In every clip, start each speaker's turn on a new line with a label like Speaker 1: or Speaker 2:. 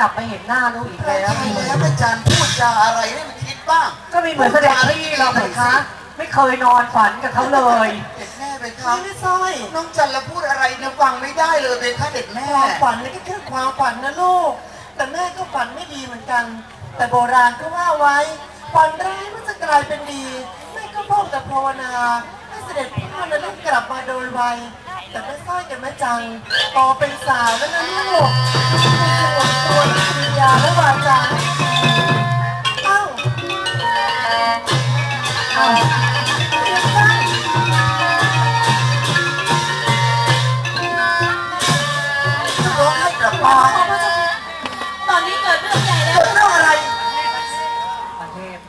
Speaker 1: ลับมาเห็นหน้าลูกอีกแล้ว
Speaker 2: ใช่แล้วอาจารย์พูดจาอะไรให้มันคิดบ้าง
Speaker 1: ก็ไม่เหมือนแสดงที่เราไหมคะไม่เคยนอนฝันกับเขาเลย
Speaker 2: เด็กแม่เป็นครับไม่ใช่น้องจันละพูดอะไรเนี่ยฟังไม่ได้เลยเป็นค่ะเด็กแม่
Speaker 3: ความฝันนี่ก็แค่ความฝันนะลูกแต่แม่ก็ฝันไม่ดีเหมือนกันแต่โบราณก็ว่าไว้ฝันร้ายมันจะกลายเป็นดีแม่ก็พบแต่ภาวนาให้เสด็จพ่อและลูกกลับมาโดยไวแต่แม่สร้อยกับแม่จังโตเป็นสาวแล้วนะลูกมีตัววิญญาและวาจาเอ้า
Speaker 2: ร้องให้กลับมา
Speaker 4: ตอนนี้เกิดเรื่องใหญ่แล้ว
Speaker 2: เกิดเรื่องอะไร
Speaker 1: ประเทศ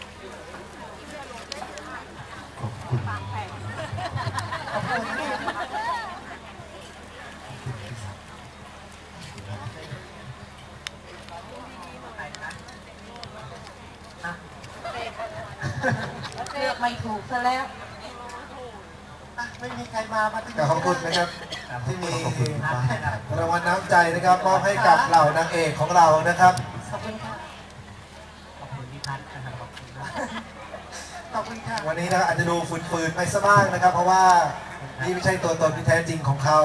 Speaker 1: เลือกไม่ถูกซะแล้ว
Speaker 3: ไม่มีใครมา
Speaker 5: ขอบคุณนะครับที่มีรางวัลน้ำใจนะครับมอบให้กับเหล่านางเอกของเรานะครับ
Speaker 1: ขอบคุณค่ะขอบคุณพี่พัฒน์นะครับ
Speaker 3: ขอบคุณค่ะ
Speaker 5: วันนี้นะอาจจะดูฝืนๆไปซะบ้างนะครับเพราะว่านี่ไม่ใช่ตัวตนที่แท้จริงของเขา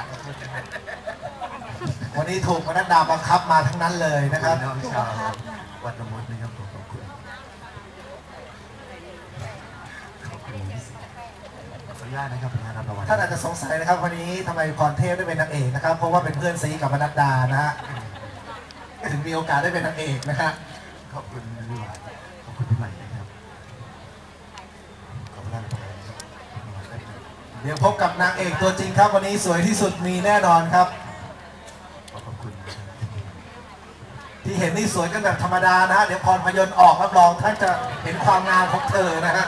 Speaker 5: วันนี้ถูกมนัดดาบังคับมาทั้งนั้นเลยนะครับ
Speaker 2: วัดละมุดนะครับขอบคุณ
Speaker 5: ท่านอาจจะสงสัยนะครับวันนี้ทำไมพรเทพได้เป็นนางเอกนะครับเพราะว่าเป็นเพื่อนซีกับมนัดดานะฮะถึงมีโอกาสได้เป็นนางเอกนะฮะ
Speaker 2: ขอบคุณพี่หวานขอบคุณพี่ใหม่นะครับขอบคุณ
Speaker 5: เดี๋ยวพบกับนางเอกตัวจริงครับวันนี้สวยที่สุดมีแน่นอนครับ
Speaker 2: ขอบคุณ
Speaker 5: ที่เห็นนี่สวยกันแบบธรรมดานะฮะเดี๋ยวพรพยนต์ออกรับรองท่านจะเห็นความงามของเธอนะฮะ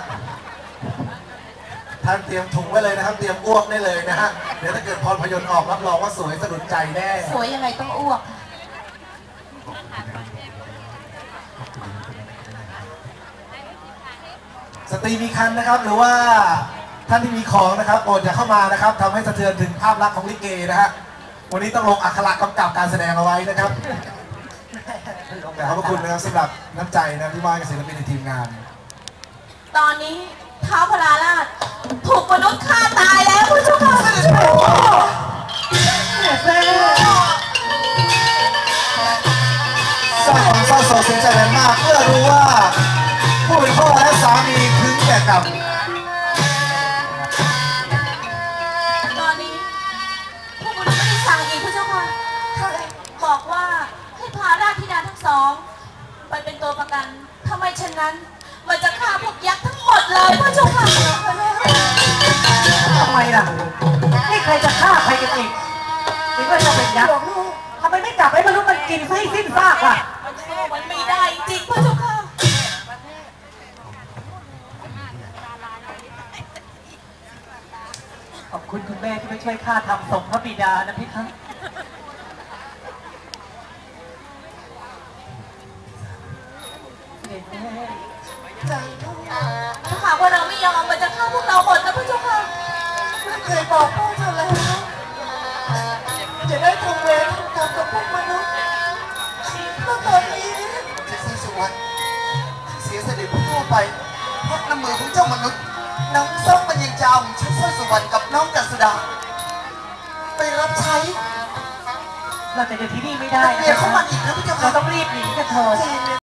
Speaker 5: ท่านเตรียมถุงไว้เลยนะครับเตรียมอ้วกได้เลยนะฮะเดี๋ยวถ้าเกิดพรพยนต์ออกรับรองว่าสวยสะดุดใจแน่
Speaker 4: สวยยังไงต้องอ้วก
Speaker 5: สตรีมีคันนะครับหรือว่าท่านที่มีของนะครับโปรดอย่าเข้ามานะครับทำให้สะเทือนถึงภาพลักษณ์ของลิเกนะฮะวันนี้ต้องลงอักขระกำกับการแสดงเอาไว้นะครับขอบคุณนะครับสำหรับน้ำใจนะที่ว่ากับศิลปินในทีมงาน
Speaker 4: ตอนนี้ท้าวพราราชถูกมนุษย์ฆ่าตายแล้วคุณผู้ชม
Speaker 5: สร้างความเศร้าโศกเสียใจแรงมากเมื่อรู้ว่าผู้เป็นพ่อและสามีถึงแก่กรรม
Speaker 4: ตอนนี้พวกมนุษย์ไม่ได้สั่งอีกคุณเจ้าค่ะบอกว่าให้พาราชธิดาทั้งสองไปเป็นตัวประกันทำไมเช่นนั้นมันจะฆ่าพวกยักษ์ทั้งหมดเลยพระเจ้าค่ะ
Speaker 1: ทำไมล่ะนี่ใครจะฆ่าใครกันอีกนี่ก็จะเป็นยักษ์ทำไมไม่จับให้มนุษย์มันกินให้สิ้นซากล่ะ
Speaker 4: มันไม่ได้จริงพระเจ้าค่ะ
Speaker 1: ขอบคุณคุณแม่ที่มาช่วยข้าทำศพพระบิดานะพี่ครับ
Speaker 4: ถ้าหากว่าเราไม่ยอมมันจะฆ่าพวกเราหมดนะพระเจ้าค่ะ
Speaker 3: เคยบอกพ่อเธอแล้วจะได้ทำเวรทำกรรมกับพวกมนุษย์แล้วตอนนี้
Speaker 2: เจ้าสุวรรณเสียเสด็จพ่อไปเพราะน้ำมือของเจ้ามนุษย์น้ำส้มมันยังจำชุดสร้อยสุวรรณกับน้องจันสุดาไปรับใช้
Speaker 1: เราจะอยู่ที่นี่ไม่ได้
Speaker 2: เรียกเขามาอีกนะพี่เจ้าค่ะ
Speaker 1: เราต้องรีบหนีกันเถอะ